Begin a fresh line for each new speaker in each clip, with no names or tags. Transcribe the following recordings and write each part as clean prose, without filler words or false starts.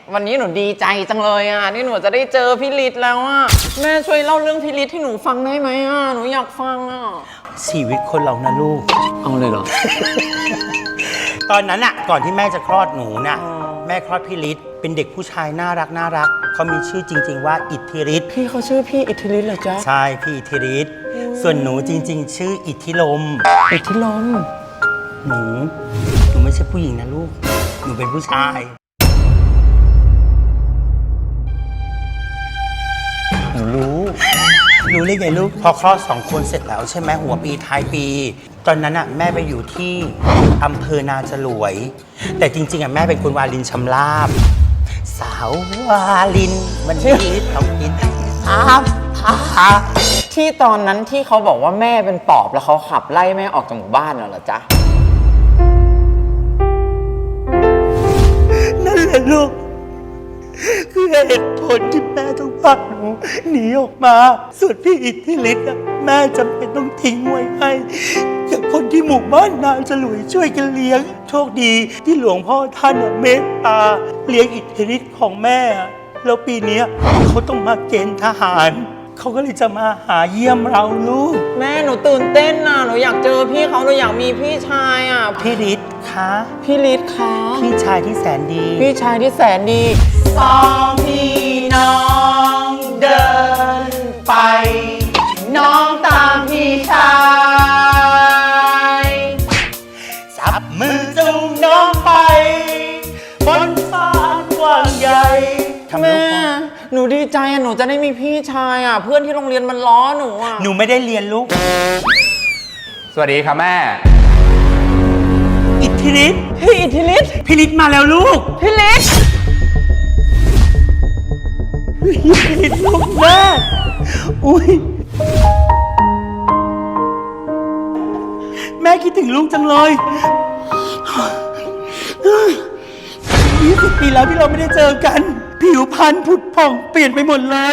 วันนี้หนูดีใจจังเลยอ่ะนี่หนูจะได้เจอพี่ฤทธิ์แล้วอ่ะแม่ช่วยเล่าเรื่องพี่ฤทธิ์ให้หนูฟังได้ไหมอ่ะหนูอยากฟังอ่ะ
ชีวิตคนเรานะลูก
เอาเลยเหรอ
ตอนนั้นอะก่อนที่แม่จะคลอดหนูน่ะแม่คลอดพี่ฤทธิ์เป็นเด็กผู้ชายน่ารักเขามีชื่อจริงๆว่าอิทธิฤทธิ์
พี่เขาชื่อพี่อิทธิฤทธิ์เหรอจ๊ะ
ใช่พี่อิทธิฤทธิ์ส่วนหนูจริงๆชื่ออิทธิลม
อิทธิลม
หนูไม่ใช่ผู้หญิงนะลูกหนูเป็นผู้ชายหนูรู้ได้ไงลูกพอคลอด2 คนเสร็จแล้วใช่ไหมหัวปีท้ายปีตอนนั้นอ่ะแม่ไปอยู่ที่อำเภอนาจรวยแต่จริงๆอ่ะแม่เป็นคนวารินชำราบสาววารินมันนี่ต้องกิน
ที่ตอนนั้นที่เขาบอกว่าแม่เป็นปอบแล้วเขาขับไล่แม่ออกจากหมู่บ้านเหรอจ๊ะ
นั่นแหละลูกคือเหตุผลที่แม่ต้องพาหนูหนีออกมาส่วนพี่อิทธิฤทธิ์แม่จำเป็นต้องทิ้งไว้ให้กับคนที่หมู่บ้านนาจรวยช่วยกันเลี้ยงโชคดีที่หลวงพ่อท่านเมตตาเลี้ยงอิทธิฤทธิ์ของแม่แล้วปีนี้เขาต้องมาเกณฑ์ทหารเขาก็เลยจะมาหาเยี่ยมเราลูก
แม่หนูตื่นเต้นน่ะหนูอยากเจอพี่เขาหนูอยากมีพี่ชายอ่ะ
พี่ฤทธิ์คะ
พี่ฤทธิ์คะ
พี่ชายที่แสนดี
พี่ชายที่แสนดี
สองพี่น้องเดินไปน้องตามพี่ชายจับมือจูงน้องไปบนฟ้ากว้างใหญ่
แม่หนูดีใจอ่ะหนูจะได้มีพี่ชายอ่ะเพื่อนที่โรงเรียนมันล้อหนูอ่ะ
หนูไม่ได้เรียนลูก
สวัสดีครับแม่
อิทธิฤทธิ์
พี่อิทธิฤทธิ์
พี่ฤทธิ์มาแล้วลูก
พี่ฤทธิ์
ลูกแม่อุ้ยแม่คิดถึงลูกจังเลย20 ปีแล้วที่เราไม่ได้เจอกันผิวพรรณผุดผ่องเปลี่ยนไปหมดเลย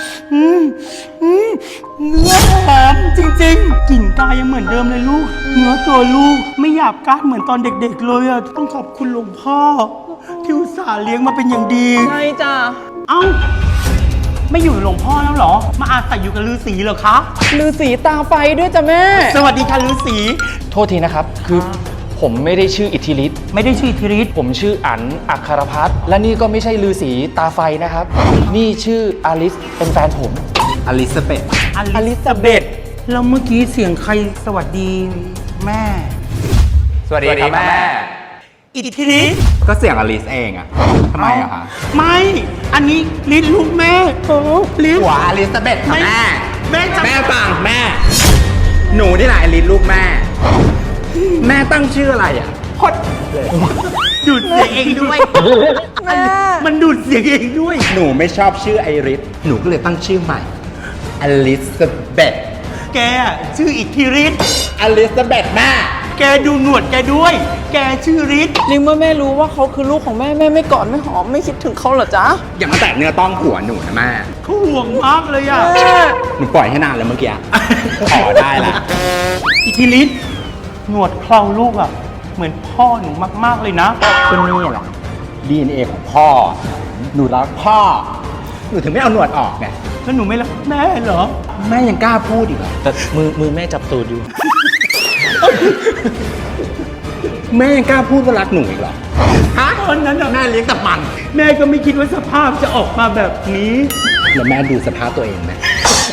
เนื้อหอมจริงๆกลิ่นกายยังเหมือนเดิมเลยลูกเนื้อตัวลูกไม่หยาบก้านเหมือนตอนเด็กๆเลยอ่ะต้องขอบคุณหลวงพ่อที่อุตส่าห์เลี้ยงมาเป็นอย่างดี
ใช่จ้ะ
เอ้าไม่อยู่หลวงพ่อแล้วเหรอมาอาศัยอยู่กับฤาษีเหรอคะ
ฤาษีตาไฟด้วยจ้ะแม่
สวัสดีค่ะฤาษี
โทษทีนะครับคือผมไม่ได้ชื่ออิทธิฤทธิ์
ไม่ได้ชื่ออิทธิฤทธิ์
ผมชื่ออั๋นอัครพัฒน์และนี่ก็ไม่ใช่ฤาษีตาไฟนะครับนี่ชื่ออลิสเป็นแฟนผม
อลิซาเบธ
แล้วเมื่อกี้เสียงใครสวัสดีแม่
สวัสดีครับแม่
อิทธิฤทธิ์
ก็เสียงอลิสเองอะทำไมอะคะ
ไม่อันนี้ฤทธิ์ลูกแม่โอ้ฤทธิ์
หัวอลิซาเบธค่ะ
แม่
ฟังแม่หนูนี่แหละอลิสลูกแม่แม่ตั้งชื่ออะไรอ่ะ
พดเลยดูดเสียงเองด้วยแม่มันดูดเสียงเองด้วย
หนูไม่ชอบชื่อไอริสหนูก็เลยตั้งชื่อใหม่อลิซาเบธ
แกชื่ออิทธิฤทธิ์
อลิซาเบธแม่
แกดูหนวดแกด้วยแกชื่อฤทธิ์
นี่เมื่อแม่รู้ว่าเขาคือลูกของแม่แม่ไม่กอดไม่หอมไม่คิดถึงเขาเหรอจ๊ะ
อย่ามาแตะเนื้อต้องหัวหนูนะแม่
เขาห่วงมากเลยอ่ะ
หนูปล่อยให้นานแล้วเมื่อกี้ขอได้ละ
อิทธิฤทธิ์หนวดเคราลูกอ่ะเหมือนพ่อหนูมากๆเลยนะ
ก็นี่แหละ DNA ของพ่อหนูรักพ่อหนูถึงไม่เอาหนวดออกไง
แล้วหนูไม่รักแม่เหรอ
แม่ยังกล้าพูดอีกเหรอ
แต่มือแม่จับตูดอยู่
แม่ยังกล้าพูดว่ารักหนูอีกเหรอ
ฮะตอนนั้น
แม่เลี้ยงแต่มัน
แม่ก็ไม่คิดว่าสภาพจะออกมาแบบนี้
แล้วแม่ดูสภาพตัวเองไหม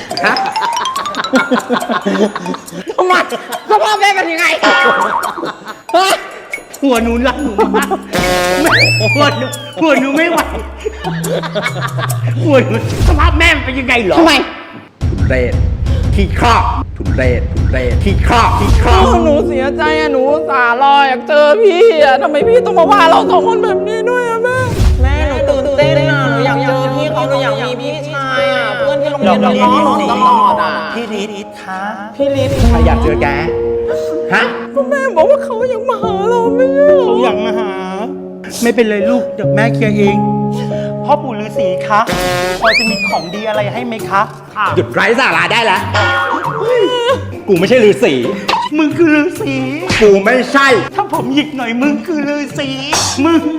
ทำไมสภาพแม่เป็นยังไง
หัวหนูรักหนูมากหัวหนูไม่ไหวหัวหนูสภาพแม่เป็นยังไงเหรอ
ทำไม
ทุเรศขี้ข้าทุเรศขี้ข้า
หนูเสียใจอะหนูสารออยากเจอพี่อะทำไมพี่ต้องมาว่าเรา2 คนแบบนี้ด้วยอะแม่หนูตื่นเต้นอะหนูอยากเจอพี่เขาหนูอยากมีพี่ชายอะเพื่อนที่โรงเรียนเราล้อหนูตลอดอะ
พี่ฤทธิ์คะ
พี่ฤทธิ์
ใครอยากเจอแกฮะ
ก็แม่บอกว่าเขาอยากมาหาเราไม่ใช่
เขาอยากมาหาไม่เป็นไรลูกเดี๋ยวแม่เคลียร์เองพพ่อปู่ฤาษีคะพอจะมีของดีอะไรให้ไหมคะค่ะ
หยุดไร้สาระได้แล้ว กูไม่ใช่ฤาษี
มึงคือฤาษี
กูไม่ใช่
ถ้าผมหยิกหน่อยมึงคือฤาษีมึง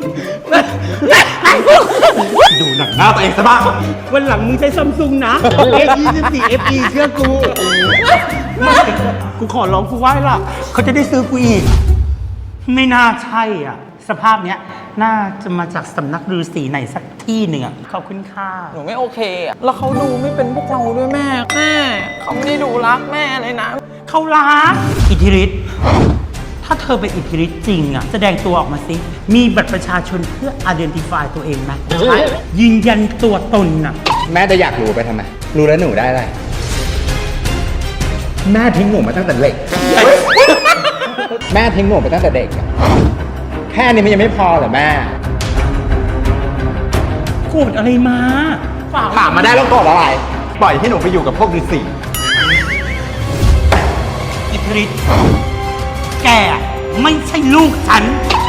ดูหนังหน้าตัวเองซะบ้าง
วันหลังมึงใช้ซัมซุงนะ A24 FE เชื่อกูไม่กูขอร้องกูไหว้ล่ะ เขาจะได้ซื้อกูอีก ไม่น่าใช่อ่ะ สภาพเนี้ย น่าจะมาจากสำนักฤาษีไหนสักที่หนึ่งอ่ะ ขอบคุณค่ะ
หนูไม่โอเคอะแล้วเขาดูไม่เป็นพวกเราด้วยแม่เขาไม่ได้ดูรักแม่เลยนะ
เขารักอิทธิฤทธิ์ถ้าเธอเป็นอิทธิฤทธิ์จริงอ่ะ แสดงตัวออกมาสิ มีบัตรประชาชนเพื่อ identify ตัวเองไหมใช่ยืนยันตัวตนอ่ะ
แม่จะอยากรู้ไปทำไม รู้แล้วหนูได้อะไร แม่ทิ้งหนูมาตั้งแต่เด็ก แม่ทิ้งหนูไปตั้งแต่เด็กอะแค่นี้มันยังไม่พอเหรอแม่
โกรธอะไรมาฝาก
ถามมาได้แล้วกดอะไร ปล่อยให้หนูไปอยู่กับพวกฤาษี
อิทธิฤทธิ์แกไม่ใช่ลูกฉัน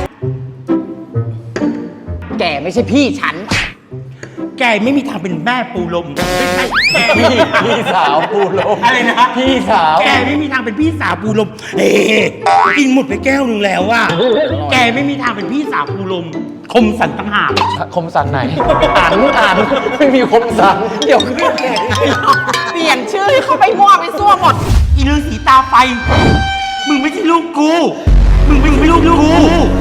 แกไม่ใช่พี่ฉัน
แกไม่มีทางเป็นแม่ปูลมไม่ใช่แก
พี่สาวปูลม
อะไรนะ
พี่สาว
แกไม่มีทางเป็นพี่สาวปูลมเฮ้กินหมดไปแก้วนึงแล้วว่ะแกไม่มีทางเป็นพี่สาวปูลม คมสันต่างหาก
คมสันไหน อ่านไม่มีคมสัน เดี๋ยวขึ้น
เปลี่ยนชื่อให้เขาไปมั่วไปซั่วหมด
อีฤาษีตาไฟ มึงไม่ใช่ลูกกู มึงไม่ใช่ลูกกู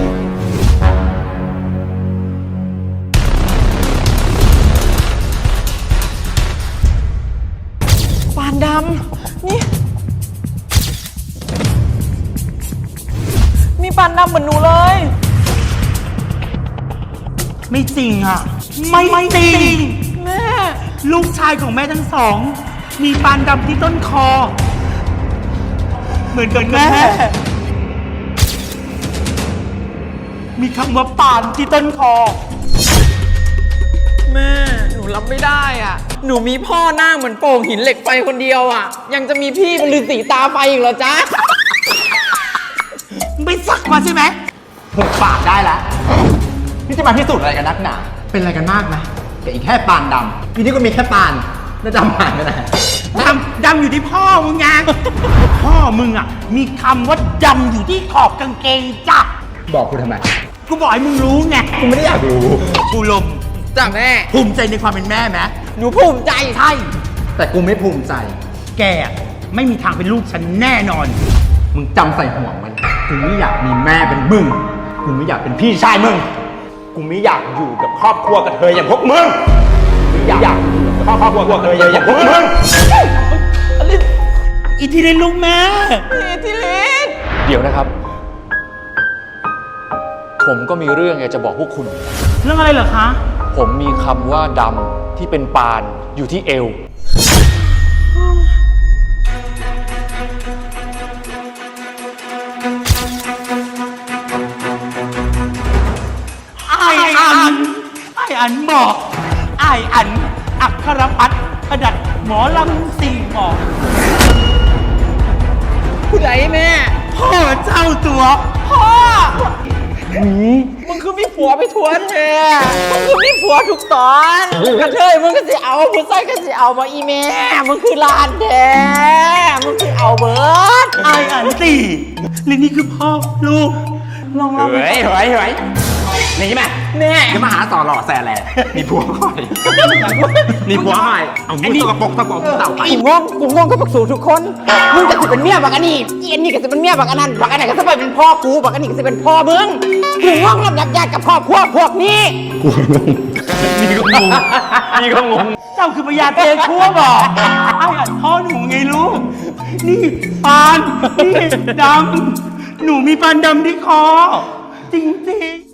ปานดำนี่ มีปานดำเหมือนหนูเลย
ไม่จริงอ่ะ ไม่จริง
แม่
ลูกชายของแม่ทั้งสอง มีปานดำที่ต้นคอ เหมือนกับแม่ มีคำว่าปานที่ต้นคอ
แม่ หนูรับไม่ได้อ่ะ หนูมีพ่อหน้าเหมือนโป่งหินเหล็กไฟคนเดียวอ่ะ ยังจะมีพี่เป็นฤาษีตาไฟอีกเหรอจ๊ะ
ไม่สักมาใช่ไหม
หุบปากได้แล้ว นี่จะมาพิสูจน์อะไรกันนักหนา เป็นอะไรกันมากไหมแต่อีกแค่ปานดำทีนี้ก็มีแค่ปานแล้วดำหายไปไหน
ดำอยู่ที่พ่อมึงไง พ่อมึงอ่ะ มีคำว่าดำอยู่ที่ขอบกางเกงจ้ะ
บอกกูทำไม
กูบอกให้มึงรู้ไง
กูไม่ได้อยากรู้
กูลม
จ้ะแม่
ภูมิใจในความเป็นแม่ไหม
หนูภูมิใจ
ใช่
แต่กูไม่ภูมิใจ
แกอะไม่มีทางเป็นลูกฉันแน่นอน
มึงจำใส่หัวไว้นะกูไม่อยากมีแม่เป็นมึง กูไม่อยากเป็นพี่ชายมึง กูไม่อยากอยู่กับครอบครัวกับเธออย่างพวกมึงกูอยากอยู่กับครอบครัวกับเธออย่างพวกมึง
อิทธิฤทธิ์ลูกแม่
พี่ทิลิศ
เดี๋ยวนะครับ ผมก็มีเรื่องอยากจะบอกพวกคุณ
เรื่องอะไรเหรอคะ
ผมมีคำว่าดำที่เป็นปานอยู่ที่เอว
ไออันบอกไออัน อัครพัฒน์ประดัดหมอลำสี่หมอก
ผู้ใดแม่
พ่อเจ้าตัว
พ่อ มึงคือมีผัวไปทวนแม่มึงคือมีผัวทุกตอนกระเทยมึงก็สิเอาผู้ชายก็สิเอามาอีแม่ มึงคือลานแท้มึงคือเอาเบิร์ด
ไออันสี่หรือนี่คือพ่อลูก ลองเล่าไป
เฮ้ยนี่ไหม
แม่
จะมาหาต่อหล่อแซ่แหละมีผัวก่อนมีผัวใหม่เอามือตกปรกเต่าไป
อีง่วงกูง่วงก็บักสูทุกคน มึงจะสิเป็นเมียบักอันนี้อีอันนี้ก็จะเป็นเมียบักอันนั้นบักอันไหนก็จะไปเป็นพ่อกูบักอันนี้ก็จะเป็นพ่อมึงกูง่วงรับยักญาติกับครอบครัวพวกนี้
นี่ก็งง
เจ้าคือพญาเทชั่วบอกไออันพ่อหนูไงลูก นี่ปาน นี่ดำ หนูมีปานดำที่คอ จริงๆ